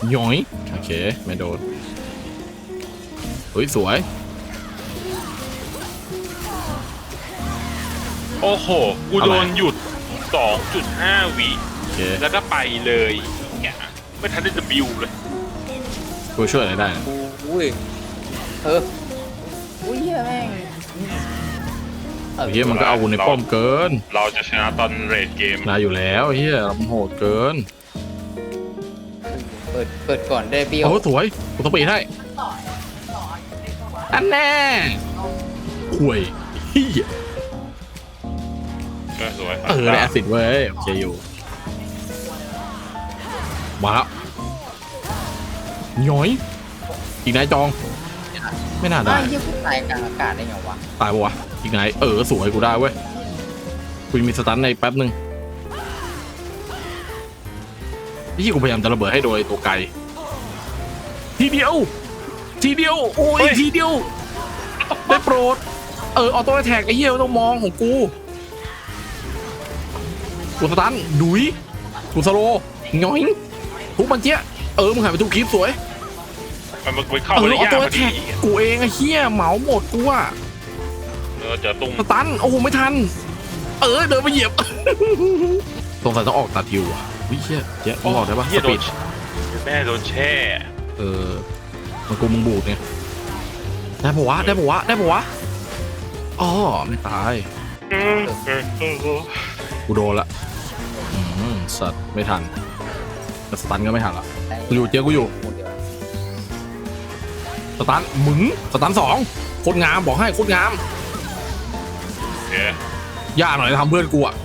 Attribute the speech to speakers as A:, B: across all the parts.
A: ย้อยโอเคไม่โดนเฮ้ยสวย
B: โอ้โหกูโดนหยุด 2.5 วิแล้วก็ไปเลยเนี่ยไม่ทันได้จะบิวเลย
A: กูช่วยอะไรได้นะ
C: อุ้ยอุ้ยเฮียแม่ง
A: เฮียมันก็เอาในป้อมเกิน
B: เราจะชนะตอนเรดเกม
A: นะอยู่แล้วเฮียมันโหดเกิน
C: เปิดก่อนได้เบี้ยว
A: โอ้สวยกูต้องปีให้อันแน่ห่วยเฮีย
B: ก็สวย
A: ได้แอซิดเว้ยโอเคอยู่มาแล้วย้อยอีกนายจองไม่น่าได้
C: ยี่ปุ่นตายกลางอากาศได้ไงวะ
A: ตายปะวะอีกนายสวยกูได้เว้ยกูมีสตันในแป๊บนึงที่กูพยายามจะระเบิดให้โดยตัวไกลทีเดียวโอ้ยทีเดียวได้โปรดออโต้แท็กไอ้เหี้ยต้องมองของกูสตันดุยกูสโลง้อยทุกมันเจี๊ยมึงหายไปทุกคลิปสวย
B: มันเข้าไปได้ยากพอดี
A: กูเองไอ้เหี้ยเหมาหมดกูอะ
B: เจอตุ้ง
A: สตันโอ้โหไม่ทันเดินไปเหยียบสงสัยต้องออกตัดฮิวอ่ะวิเชี่ยเจ๊มึงออกได้ปะสปีด
B: แม่โดนแช่
A: มันกูมึงบูดไงได้ปะวะอ๋อไม่ตายกูโดนละสัตว์ไม่ทันแต่สตันก็ไม่ทันละอยู่เจ๊กูอยู่สตันมึงสตัน2โคตรงามบอกให้โคตรงามยากหน่อยทำเพื่อนกูอ่ะ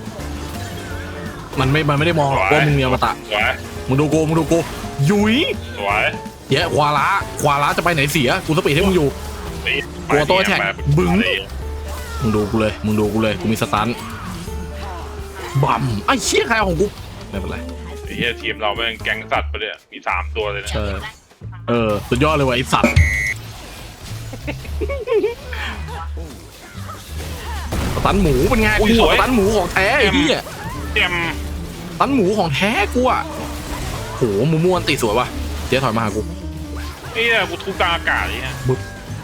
A: มันไม่ได้มองหรอกว่ามึงมีอมตะมึงดูกูยุยเยอะควาระจะไปไหนเสียกูสปีดให้มึงอยู่ตัวโต้แท็กบึ้งมึงดูกูเลยกูมีสตันบัมไอ้เชี่ยใครของกูไม่เป็นไร
B: ไอ้เหี้ยทีมเราแม่งแก๊งสัตว์ไปเลยมี3ตัวเลยนะ
A: สุดยอดเลยว่ะไอ้สัตว์ตันหมูเป็นไงกูตันหมูของแท้ไอ้เหี้ยตันหมูของแท้กูอ่ะโหมูม่วนตีสวยว่ะเจ๊ถอยมาหากู
B: ไอ้เนี่ยกูทุบกลางอากาศเลยฮะ
A: บึ๊บ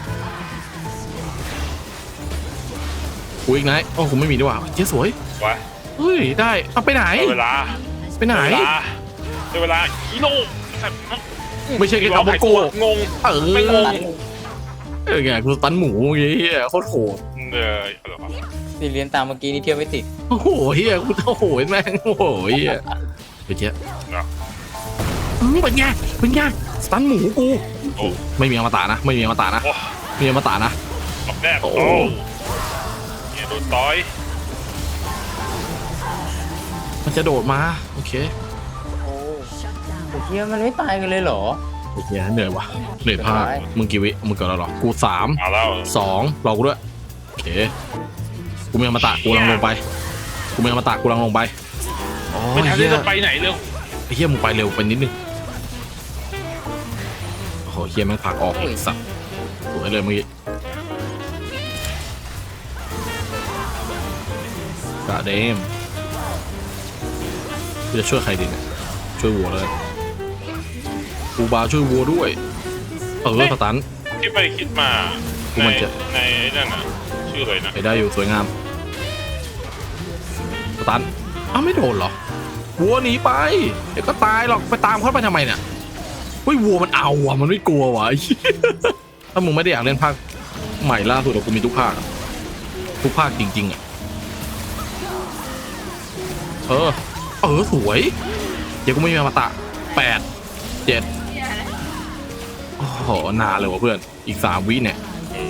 A: กูอีกไหนกูไม่มีด้วยว่ะเจ๊สวยวะเฮ้ยได้เอาไปไหน
B: เวลา
A: ไปไหน
B: เวลาฮิโร่
A: ไม่ใช่แค่คำว่าโก
B: งงไม่งง
A: ไงกูตันหมูเงี้ยโคตรโหด
C: สิเรียนตามเมื่อกี้นี่เที่ยวไม่ติด
A: โอ้โหเฮียกูโอ้โหแม่งโอ้โหเฮียไปเจ๊เป็นไงสตันหมูกูไม่มีอมตะนะมีอมตะนะ
B: ออกแน่โอ้เนี่ยโดนต่อย
A: มันจะโดดมาโอเค
C: โอ้เฮียมันไม่ตายกันเลยเหรอ
A: โอเคเหนื่อยว่ะเหนื่อยมากมึงกี่วิมึงเกิดแล้วหรอกู3 2รอกูด้วยโอเคกูมีอมตะกูลังลงไป
B: ไม่ทันจะไปไหนเร็ว
A: ไอ้เฮียมึงไปเร็วไปนิดนึงโอ้โหเฮียแม่งผลักออกสัตว์สวยเลยเมื่อกี้กะเดมจะช่วยใครดีเนี่ยช่วยวัวเลยกูบาช่วยวัวด้วยสตัน
B: ที่ไปคิดมา
A: กูมันจะ
B: ในนั่นน่ะชื่ออะไรนะ
A: ไปได้อยู่สวยงามสตันไม่โดนเหรอวัวหนีไปเดี๋ยวก็ตายหรอกไปตามเขาไปทำไมเนี่ยวัวมันเอาว่ะมันไม่กลัวว่ะถ้ามึงไม่ได้อยากเล่นภาคใหม่ล่าสุดกูมีทุกภาคจริงๆอ่ะสวยเดี๋ยวกูไม่มีอมตะ8 7โอ้โหนานเลยว่ะเพื่อนอีก3 วิเนี่ย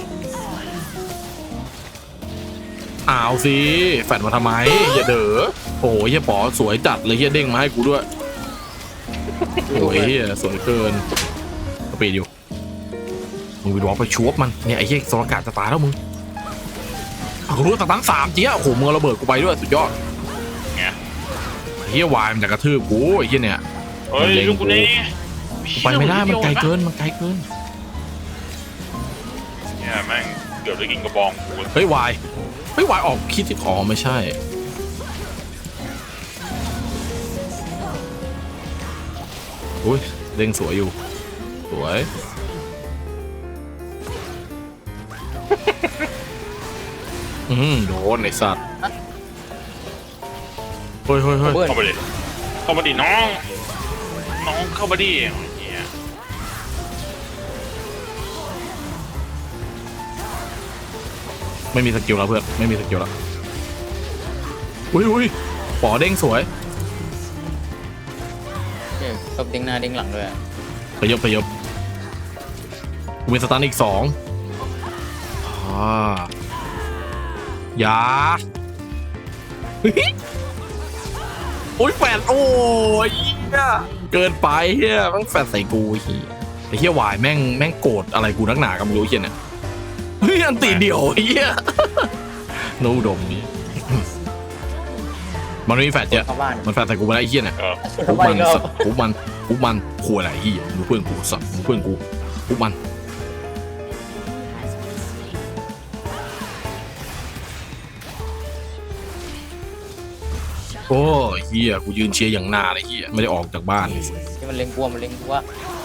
A: เอาสิแฟดมาทำไมอย่าเด้อโอ้ยเฮียป๋อสวยจัดเลยเฮียเด้งมาให้กูด้วยโอ้ยเฮียสวยเกินสปีดอยู่มึงไปดอกไปชวบมันเนี่ยไอ้เฮียสรกาศจะตายแล้วมึงรู้ตั้ง3เจี๊ยโอ้โหมึงระเบิดกูไปด้วยสุดยอดเฮียวายมันจะกระทืบกูไอ้เฮียเนี่ย
B: มันเล็งกู
A: ไปไม่ได้มันไกลเกิน
B: เนี่ยแม่งเกือบได้กินกระบอง
A: เฮ้ยวายออกคิดที่ไม่ใช่อุ้ยเด้งสวยอยู่สวย โดนไอสัตว์เฮ้ย
C: เบิ้ล
B: เข้ามาดิเข้ามาดิน้องเข้ามาดิเหี้ย
A: ไม่มีสกิลแล้วเพื่อนไม่มีสกิลแล้วอุ้ยปอเด้งสวย
C: เนี่ยตบเด้งหน้าเด้งหลังด้วยอะ
A: ไปยบกูมีสตันอีก2ยาเฮ้ยโอ้ยแฟนโอ้ยเกินไปเฮียแม่งแฟนใส่กูเฮียไอ้เฮียวายแม่งโกรธอะไรกูนักหนากับไม่รู้เฮียเนี่ยเฮ้ยอันตีเดี่ยวเฮียโนอุดมนี้มันไม่มีแฟนเยอะ
C: เข้าบ้าน
A: มันแฟนใส่กูไปแล้วไอ้เฮียเนี่ย
C: เข้าบ้านอีกรอบ
A: ปุ๊บมันขู่อะไรเฮียมึงเพื่อนกูสัตว์มึงเพื่อนกูปุ๊บมันโอ้เฮียกูยืนเชียร์อย่างหน้าเลยเฮียไม่ได้ออกจากบ้าน
C: ที่มันเล็งกลัวมันเล็งกลัว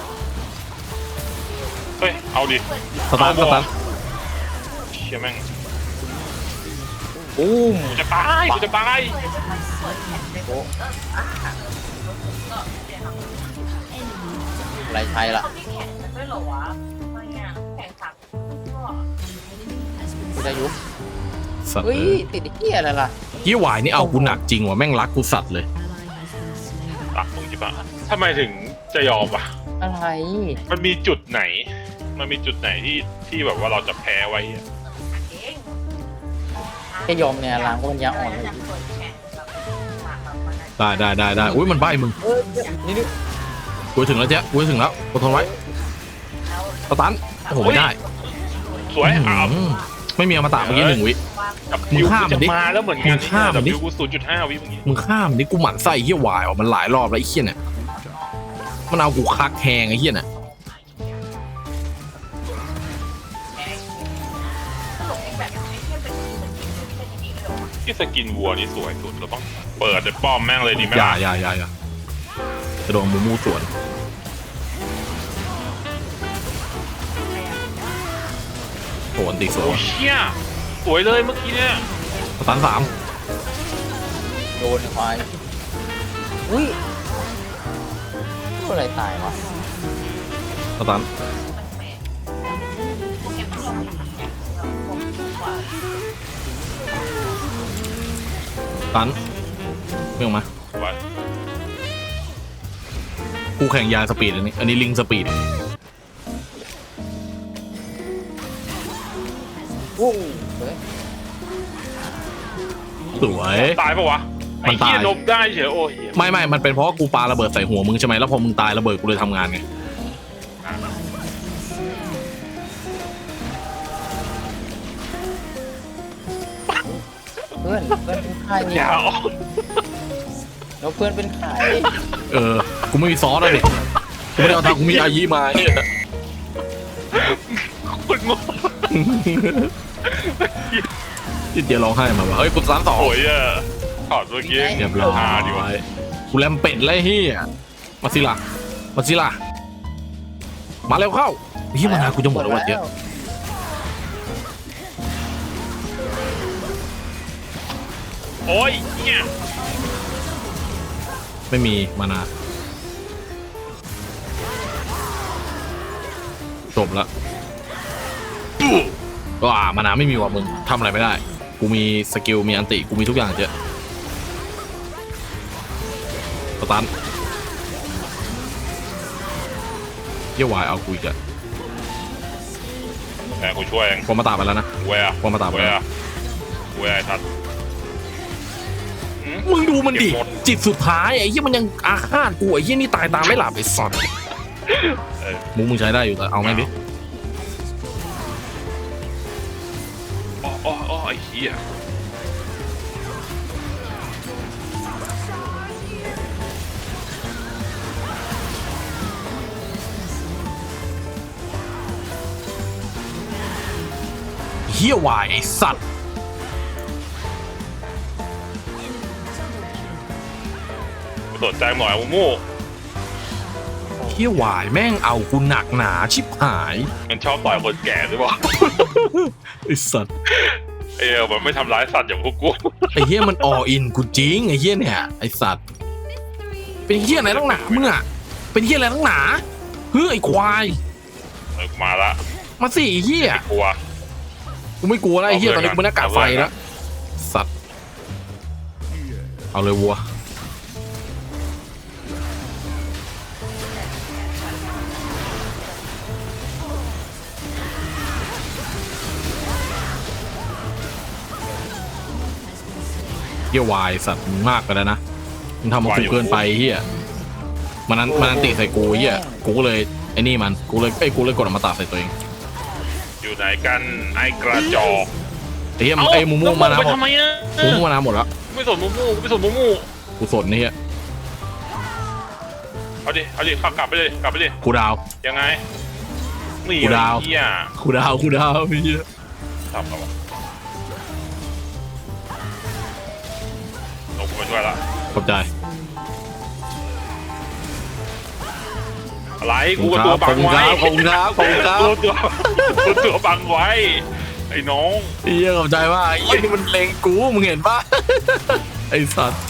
B: เฮ้ยเอาดิ
A: สตาร์ท
B: เชี่ยแม่ง
C: บูม
B: กูจะตาย
C: โอ้ไรชัยล่ะ
D: ด้วยเหรอวะทำไมอ่ะแข่งขันก็
C: กูจะยุบ
A: สัตว์
C: เฮ้ยติดไอ้เหี้ยอะไรล่ะ
A: เฮียวายนี่เอากูหนักจริงว่ะแม่งรักกูสัตว์เลย
B: ตักมึงจิบะทำไมถึงจะยอมวะ
C: อะไร
B: มันมีจุดไหนที่แบบว่าเราจะแพ้ไว้อะ
D: เอง
C: แค่ยอมเนี่ยล้างก็มันยาอ่อนเลย
D: จากคนแข่งแบบหมากแบบวันนั้น
A: ได้อุ้ยมันใบ้มึง
C: เฮ้ยนี่
A: กูถึงแล้วเจ๊กูถึงแล้วอดทนไว้สตันโอ้โหไม่ได้
B: สวยอ้าว
A: ไม่มีอมตะเมื่อกี้1 วิ
B: กับ
A: มึ
B: คิ
A: ง
B: ว
A: ข้าม
B: จะ
A: มันดิ
B: มาแล้วเหมือนกัน
A: มึงข้ามมันดิ
B: คิวกู0.5 วิเมื่อกี้
A: มึงข้ามนี่กูหมั่นไส้เฮียวายว่ะมันหลายรอบแล้วไอ้เฮียเนี่ยมันเอากูคักแทงไอ้เฮียเนี่ย
D: ตลกเองแบบไม่ใช่เป็นอย่างนี้เลยหรอ
B: ที่สกินวัวนี่สวยสุดเราต้องเปิดเลยป้อมแม่งเลยดีไหม
A: อย่า
B: ล่ะ
A: จะโดนมูมูสวนโหนตีสวย
B: โอ้
A: ว่ะ
B: เชี่ยสวยเลยเมื่อกี้เนี่ย
A: สตัน3
C: โดนควายอุ้ยตัวอะไรตายวะ
A: สตัน
D: พวกแกพวกเราไม่ทำเนี่ยเราพวกกว่า
A: สตันไม่ออกมา
B: สวย
A: กูแข่งยาสปีดอันนี้ลิงสปีด
C: โอ้เฮ้ย
A: สวย
B: ตายปะวะ
A: มั
B: ไอ้
A: นตาย
B: เหี้ยลบได้เฉยโอ้ยเหี้ย
A: ไม่มันเป็นเพราะว่ากูปาระเบิดใส่หัวมึงใช่ไหมแล้วพอมึงตายระเบิดกูเลยทำงานไง
C: เพื่อนเป็นใคร
B: อย่าออก
C: แล้วเพื่อนเป็นใคร
A: กูไม่มีซอสเลยกูไม่ได้เอาทางกูมีอายีมาเนี่ย
B: คนงง
A: ที่เดียวร้องไห้มาว่าเฮ้ยกูสามต่อ
B: โอ้ยอะถอดเมื่อกี้
A: เรียบร้อย
B: ดีวะ
A: กูแลมเป็ดเลยเฮียมาสิล่ะมาเร็วเข้าเฮียมานากูจะหมดแล้ววะเยอะ
B: โอ้ยเนี่ย
A: ไม่มีมานาจบละว้ามานาไม่มีว่ะมึงทำอะไรไม่ได้กูมีสกิลมีอันติกูมีทุกอย่างเจ๊สตันเยี่ยวายเอากูอีกอะ
B: แหมกูช่วยเอง
A: พอมาตาไปแล้วนะ
B: เว้ย
A: พอมาตาไปแล้ว
B: เว้ยทัด
A: มึงดูมันดิ
B: เก็บหมด
A: จิตสุดท้ายไอ้เหี้ยมันยังอาฆาตกูไอ้เหี้ยนี่ตายตามไม่หลับไอ้สัตว์
B: เออ
A: มึงใช้ได้อยู่แต่เอาไหมดิ
B: อ๋อไอ้เหี้ย
A: เหี้ยวายไอ้สัตว์
B: กูสนใจหมอยมูมู
A: เเฮียวายแม่งเอากูหนักหนาชิบหาย
B: มันชอบต่อยคนแก่หรือเปล่า
A: ไอ้สัตว์
B: มันไม่ทำร้ายสัตว์อย่างพวกกู
A: ไอ้เฮียมันออินกูจริงไอ้เฮียเนี่ยไอ้สัตว์เป็นเฮียอะไรตั้งหนามึงอะเป็นเฮียอะไรตั้งหนาเฮ้ยไอ้ควาย
B: มาละ
A: มาสิไอ้เฮีย
B: กลัว
A: กูไม่กลัวแล้วไอ้เฮียตอนนี้กูเป็นหน้ากากไฟแล้วสัตว์เอาเลยวัวเฮียวายสัตว์มึงมากไปแล้วนะมึงทำมากูเกินไปเฮียมันนั้นติใส่กูเฮียกูก็เลยไอ้นี่มันกูเลยกดอมตะใส่ตัวเอง
B: อยู่ไหนกันไอ้กระจอก
A: ไอ้เฮียไอ้มูมูมานะ
B: ไป
A: หมด
B: ทำไมอะ
A: มูมูมานะหมดแล้ว
B: ไม่สนมูมูไม่สนมูมู
A: กูสนนี่เฮีย
B: เอาดิขับกลับไปเลยกลับไปดิ
A: กูดาว
B: ยังไงนี่
A: กูดาว
B: ไอ้เหี้ย
A: กูดาวไอ้เฮีย
B: ทำแล้ววะลงกูมาช่วยละ
A: ขอบใจ
B: อะไรกูกับตัวบังไว้
A: ขอบคุณครับ
B: ตัวบังไว้ไอ้น้อง
A: ไอ้เฮียขอบใจว่าไอ้เฮียนี่มันเลงกูมึงเห็นปะ ไอ้สัตว์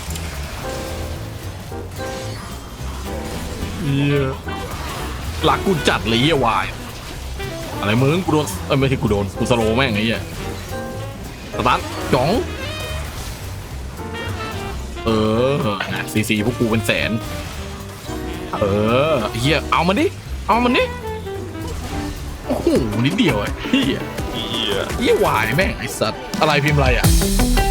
A: เฮียหลักกูจัดเลยเฮียวายอะไรมึงกูโดนไม่ใช่กูโดนกูสโลว์แม่งไอ้เฮียสตาร์ทจ๋องซีพวกกูเป็นแสนเฮียเอามันดิโอ้โหนิดเดียวไอ้เฮีย
B: เหี้ย
A: เฮียวายแม่งไอ้สัตว์อะไรพิมพ์อะไรอ่ะ